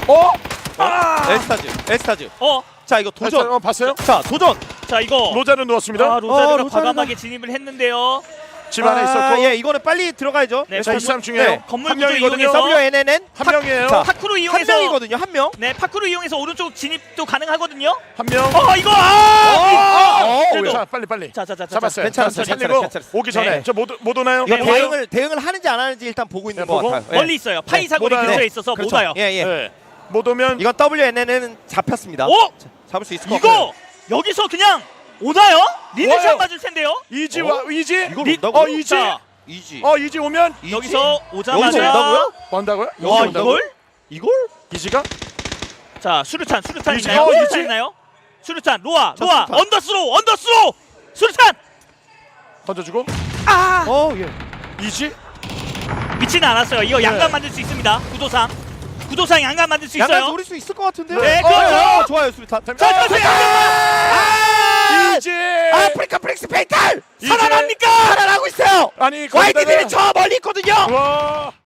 에스타즈. 자 이거 도전. 봤어요? 자 도전. 자 이거 로자는 누웠습니다. 로자르가 로자르가- 과감하게 진입을 했는데요. 집 안에 있었고. 예, 이거는 빨리 들어가야죠. 네, 자, 이 사람 중요해요. 네. 건물 한 구조 명이거든요. 이용해서 WNNN 한 명이에요. 자, 파크로 한 이용해서 명이거든요. 한 명. 네 파크로 이용해서 오른쪽 진입도 가능하거든요. 한 명. 이거 그래도 자, 빨리. 자자자 잡았어요. 괜찮았어요, 자, 살리고 괜찮았어요. 오기 전에 네. 저 못 오나요? 이거 네, 대응을 하는지 안 하는지 일단 보고 있는 네, 것 보고. 같아요. 예. 멀리 있어요. 파이 사거리 못 와요. 근처에 있어서 못 그렇죠. 와요. 예, 예. 네. 못 오면 이건 WNN은 잡혔습니다. 오! 잡을 수 있을 것 같아요. 이거 여기서 그냥 오나요? 리드샷 와요. 맞을 텐데요. 이지 와 이지. 이걸 온다고요? 이지. 자, 이지. 이지 오면 이지? 여기서 오자마자 여기서 온다고요? 온다고요? 와 여기 온다고요? 이걸? 이지가? 자 수류탄 이지. 있나요? 이지. 수류탄 있나요? 수류탄 로아 수류탄. 언더스로 수류탄 던져주고 예. 이지. 미치는 않았어요. 이거 양감 만들 수 있습니다. 구도상 양감 만들 수 양간 있어요. 노릴 수 있을 것 같은데요. 네, 그렇죠. 좋아요, 수리탄. 자, 이지. 아프리카 프릭스 페이탈 이지. 살아납니까? 살아나고 있어요. 아니 화이트들이 거기다가- 저 멀리 있거든요. 와.